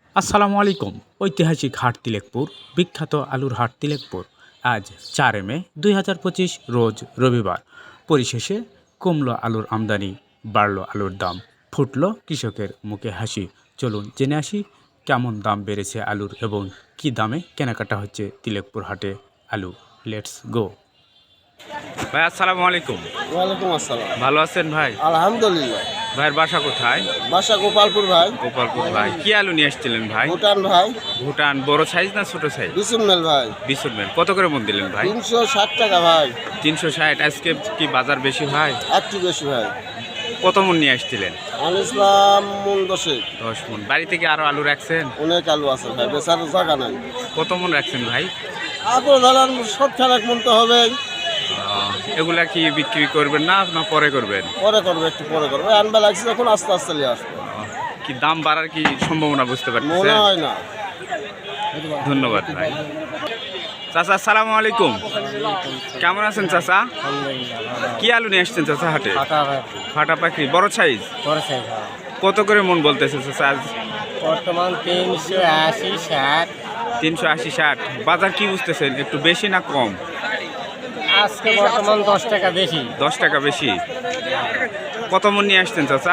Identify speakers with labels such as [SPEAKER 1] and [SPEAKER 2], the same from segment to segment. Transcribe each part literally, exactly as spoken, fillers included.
[SPEAKER 1] আসসালামু আলাইকুম। ঐতিহাসিক হাট তিলেকপুর, বিখ্যাত আলুর হাট তিলেকপুর। আজ চার মে দুই হাজার পঁচিশ রোজ রবিবার। পরিশেষে কমলো আলুর আমদানি, বাড়লো আলুর দাম, ফুটলো কৃষকের মুখে হাসি। চলুন জেনে আসি কেমন দাম বেড়েছে আলুর এবং কি দামে কেনাকাটা হচ্ছে তিলেকপুর হাটে আলু। Let's go. ভাই আসসালামু আলাইকুম।
[SPEAKER 2] ওয়ালাইকুম আসসালাম।
[SPEAKER 1] ভালো আছেন ভাই?
[SPEAKER 2] আলহামদুলিল্লাহ।
[SPEAKER 1] ভাইয়ের বাসা কোথায়?
[SPEAKER 2] বাসা গোপালপুর ভাই।
[SPEAKER 1] গোপালপুর ভাই। কি আলু নিয়ে এসেছিলেন ভাই?
[SPEAKER 2] ভুটান ভাই।
[SPEAKER 1] ভুটান বড় সাইজ না ছোট সাইজ?
[SPEAKER 2] বিশুন মেল ভাই।
[SPEAKER 1] বিশুন মেল। কত করে মন দিলেন ভাই?
[SPEAKER 2] তিনশো ষাট টাকা ভাই।
[SPEAKER 1] তিনশো ষাট। আজকে কি বাজার বেশি ভাই?
[SPEAKER 2] একটু বেশি ভাই।
[SPEAKER 1] কত মন নিয়ে আসছিলেন?
[SPEAKER 2] আল ইসলাম মন দশেক।
[SPEAKER 1] দশ মন। বাড়ি থেকে আরো আলু রাখছেন?
[SPEAKER 2] অনেক আলু আছে ভাই, বেচার জায়গা নাই।
[SPEAKER 1] কত মন রাখছেন ভাই?
[SPEAKER 2] আপনার ধরেন সব খেলাক মন তো হবে।
[SPEAKER 1] আহ, এগুলা কি বিক্রি করবেন না না পরে করবেন?
[SPEAKER 2] পরে করবে, একটু পরে করবে। আনবা লাগছে যখন আস্তে আস্তে নিয়ে আসবে।
[SPEAKER 1] আহ, কি দাম বাড়ার কি সম্ভাবনা বুঝতে
[SPEAKER 2] মনে
[SPEAKER 1] পারছেন?
[SPEAKER 2] হয় না।
[SPEAKER 1] ধন্যবাদ ভাই। চাচা আসসালামু আলাইকুম। কেমন আছেন চাচা? কি আলু নিয়ে আসছেন চাচা হাটে? ফাটা পাখি বড় সাইজ। কত করে মন বলতেছে চাচা আজ?
[SPEAKER 2] বর্তমান তিনশো আশি ষাট।
[SPEAKER 1] তিনশো আশি ষাট। বাজার কি বুঝতেছেন, একটু বেশি না কম?
[SPEAKER 2] আজকে বর্তমান দশ টাকা বেশি।
[SPEAKER 1] দশ টাকা বেশি। কত মন নিয়ে আসছেন চাচা?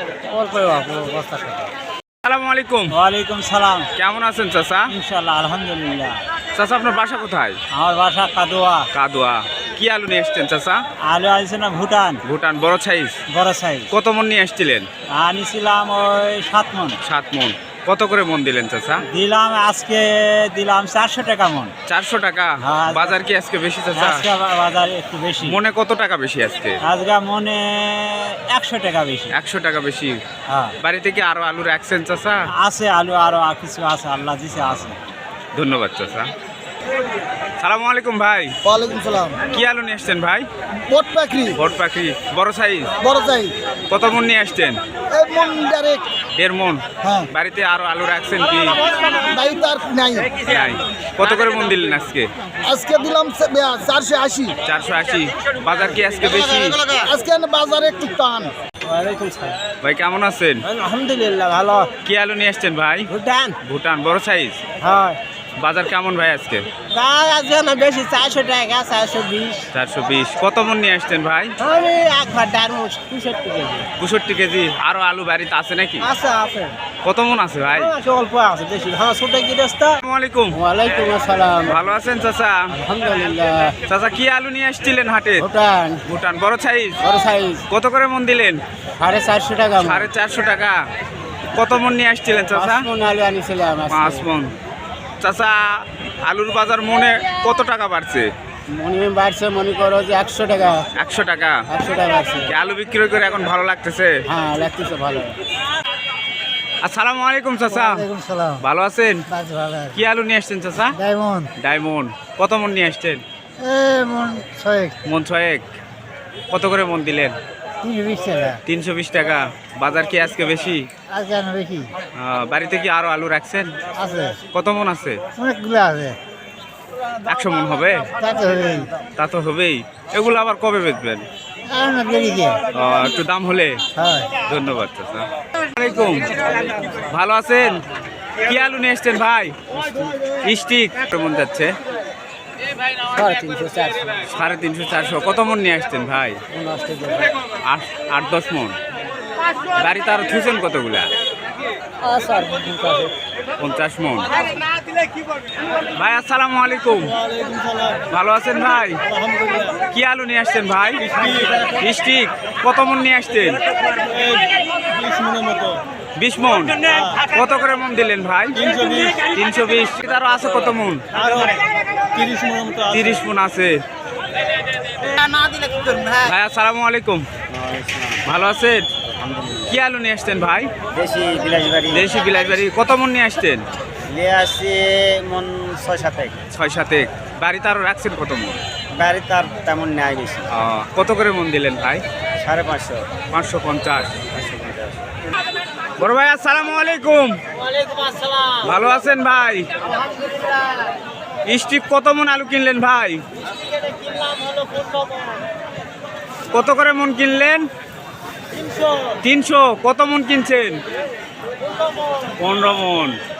[SPEAKER 1] আসসালামু আলাইকুম।
[SPEAKER 3] ওয়ালাইকুম সালাম।
[SPEAKER 1] কেমন আছেন চাচা?
[SPEAKER 3] ইনশাআল্লাহ আলহামদুলিল্লাহ।
[SPEAKER 1] চাচা আপনার বাসা কোথায়?
[SPEAKER 3] আমার বাসা কাদোয়া।
[SPEAKER 1] কাদোয়া। কি আলু নিয়ে এসছেন চাচা?
[SPEAKER 3] আলু আনছে না ভুটান,
[SPEAKER 1] ভুটান বড় সাইজ।
[SPEAKER 3] বড় সাইজ।
[SPEAKER 1] কত মন নিয়ে এসছিলেন?
[SPEAKER 3] আনিছিলাম ওই সাত মন।
[SPEAKER 1] সাত মন। কত করে মন দিলেন চাচা?
[SPEAKER 3] দিলাম আজকে দিলাম চারশো টাকা মন।
[SPEAKER 1] চারশো টাকা।
[SPEAKER 3] হ্যাঁ।
[SPEAKER 1] বাজার কি আজকে বেশি চাচা?
[SPEAKER 3] আজকে বা- বাজার একটু বেশি।
[SPEAKER 1] মনে কত টাকা বেশি আজকে?
[SPEAKER 3] আজকে মনে একশো টাকা বেশি।
[SPEAKER 1] একশো টাকা বেশি।
[SPEAKER 3] হ্যাঁ,
[SPEAKER 1] বাড়িতে কি আরো আলু রাখছেন চাচা?
[SPEAKER 3] আছে আলু আরো আর কিছু আছে, আল্লাহ দিছে আছে।
[SPEAKER 1] ধন্যবাদ চাচা। সালামু আলাইকুম ভাই।
[SPEAKER 2] ওয়ালাইকুম সালাম।
[SPEAKER 1] কি আলু নিয়ে আসছেন ভাই?
[SPEAKER 2] বট পাখি
[SPEAKER 1] বট পাখি বড় সাইজ।
[SPEAKER 2] বড় চাই।
[SPEAKER 1] কত মন নিয়ে আসছেন?
[SPEAKER 2] এই মন ডাইরেক্ট।
[SPEAKER 1] দেড় মন।
[SPEAKER 2] হ্যাঁ,
[SPEAKER 1] বাড়িতে আরো আলু রাখছেন কি?
[SPEAKER 2] বাড়িতে আর নাই।
[SPEAKER 1] নাই। কত করে মন দিলেন আজকে?
[SPEAKER 2] আজকে দিলাম চারশো আশি।
[SPEAKER 1] চারশো আশি। বাজার কি আজকে বেশি?
[SPEAKER 2] আজকে বাজারে একটু টান।
[SPEAKER 3] ওয়ালাইকুম সালাম।
[SPEAKER 1] ভাই কেমন আছেন?
[SPEAKER 3] আলহামদুলিল্লাহ ভালো।
[SPEAKER 1] কি আলু নিয়ে আসছেন ভাই?
[SPEAKER 3] ভুটান।
[SPEAKER 1] ভুটান বড় সাইজ।
[SPEAKER 3] হ্যাঁ,
[SPEAKER 1] বাজার কেমন ভাই আজকে?
[SPEAKER 3] আজকে না বেশি, চারশো টাকা, চারশো বিশ।
[SPEAKER 1] চারশো বিশ। কত মন নিয়ে আসছেন ভাই?
[SPEAKER 3] আমি একবার ডারমুশ পঁয়ষট্টি কেজি।
[SPEAKER 1] পঁয়ষট্টি কেজি। আরো আলু বাড়িতে আছে নাকি?
[SPEAKER 3] আছে আছে।
[SPEAKER 1] কত মন আছে ভাই?
[SPEAKER 3] আছে, অল্প আছে, বেশি হ্যাঁ ছোট গৃহস্থ।
[SPEAKER 1] আসসালামু আলাইকুম।
[SPEAKER 3] ওয়ালাইকুম আসসালাম।
[SPEAKER 1] ভালো আছেন চাচা?
[SPEAKER 3] আলহামদুলিল্লাহ।
[SPEAKER 1] চাচা কি আলু নিয়ে আসছিলেন হাটে?
[SPEAKER 3] ভুটান
[SPEAKER 1] ভুটান বড় সাইজ।
[SPEAKER 3] বড় সাইজ।
[SPEAKER 1] কত করে মন দিলেন?
[SPEAKER 3] সাড়ে চারশো টাকা।
[SPEAKER 1] সাড়ে চারশো টাকা। কত মন নিয়ে আসছিলেন চাচা?
[SPEAKER 3] পাঁচ মণ আলু আনিছিলাম আজকে।
[SPEAKER 1] পাঁচ মন। চাচা আলুর বাজার মনে কত টাকা বাড়ছে?
[SPEAKER 3] মনে বাড়ছে, মনে করো যে একশো টাকা।
[SPEAKER 1] একশো টাকা।
[SPEAKER 3] একশো টাকা বাড়ছে।
[SPEAKER 1] কি আলু বিক্রি করে এখন ভালো লাগতেছে?
[SPEAKER 3] হ্যাঁ, লাগতেছে ভালো।
[SPEAKER 1] আসসালামু আলাইকুম চাচা।
[SPEAKER 3] সালাম।
[SPEAKER 1] ভালো আছেন?
[SPEAKER 3] ভালো।
[SPEAKER 1] কি আলু নিয়ে আসছেন চাচা?
[SPEAKER 3] ডায়মন্ড।
[SPEAKER 1] ডায়মন্ড। কত মন নিয়ে আসছেন?
[SPEAKER 3] এ মন ছয়েক।
[SPEAKER 1] মন ছয়েক। কত করে মন দিলেন?
[SPEAKER 3] তিনশো বিশ টাকা।
[SPEAKER 1] তিনশো বিশ টাকা। বাজার কি আজকে বেশি?
[SPEAKER 3] আজকে না বেশি।
[SPEAKER 1] আহ, বাড়িতে কি আরো আলু রাখছেন?
[SPEAKER 3] আছে,
[SPEAKER 1] কত মন আছে?
[SPEAKER 3] অনেকগুলো আছে।
[SPEAKER 1] একশো মন হবে?
[SPEAKER 3] তাতে হবেই।
[SPEAKER 1] তা তো হবেই। এগুলো আবার কবে বেচবেন?
[SPEAKER 3] আর না দেরিকে।
[SPEAKER 1] আহ, একটু দাম হলে।
[SPEAKER 3] হয়।
[SPEAKER 1] ধন্যবাদ চাচা। আসসালামাইকুম। ভালো আছেন? কি আলু নিয়ে এসছেন ভাই? স্টিক। কেমন যাচ্ছে?
[SPEAKER 3] সাড়ে তিনশো চারশো।
[SPEAKER 1] সাড়ে তিনশো চারশো। কত মন নিয়ে আসছেন ভাই? আট আট দশ মন। বাড়িতে আরো থুছেন কতগুলা? পঞ্চাশ মন। ভাই আসসালামু আলাইকুম। ভালো আছেন ভাই? কি আলু নিয়ে আসছেন ভাই? স্টিক। কত মন নিয়ে আসছেন? বিশ মন। কত করে মন দিলেন ভাই? তিনশো বিশ। আরো আছে কত মন? তিরিশ মন আছে। ভাই আসসালামু আলাইকুম। ভালো আছেন? কি আলু নিয়ে আসছেন ভাই?
[SPEAKER 3] দেশি বিলাসবাড়ি।
[SPEAKER 1] দেশি বিলাসবাড়ি। কত মন নিয়ে আসছেন?
[SPEAKER 3] নিয়ে আসছি মন ছয় সাতেক।
[SPEAKER 1] ছয় সাতেক। বাড়িতে আরো রাখছেন কত মন?
[SPEAKER 3] বাড়ি তার তেমন নেয় বেশি।
[SPEAKER 1] আহ, কত করে মন দিলেন ভাই?
[SPEAKER 3] সাড়ে পাঁচশো।
[SPEAKER 1] পাঁচশো পঞ্চাশ।
[SPEAKER 3] পাঁচশো পঞ্চাশ।
[SPEAKER 1] বড় ভাই আসসালামু আলাইকুম।
[SPEAKER 3] ওয়ালাইকুম আসসালাম।
[SPEAKER 1] ভালো আছেন ভাই? স্টিক কত মন আলু কিনলেন ভাই? কত করে মন কিনলেন? তিনশো। কত মন কিনছেন? পনেরো মন।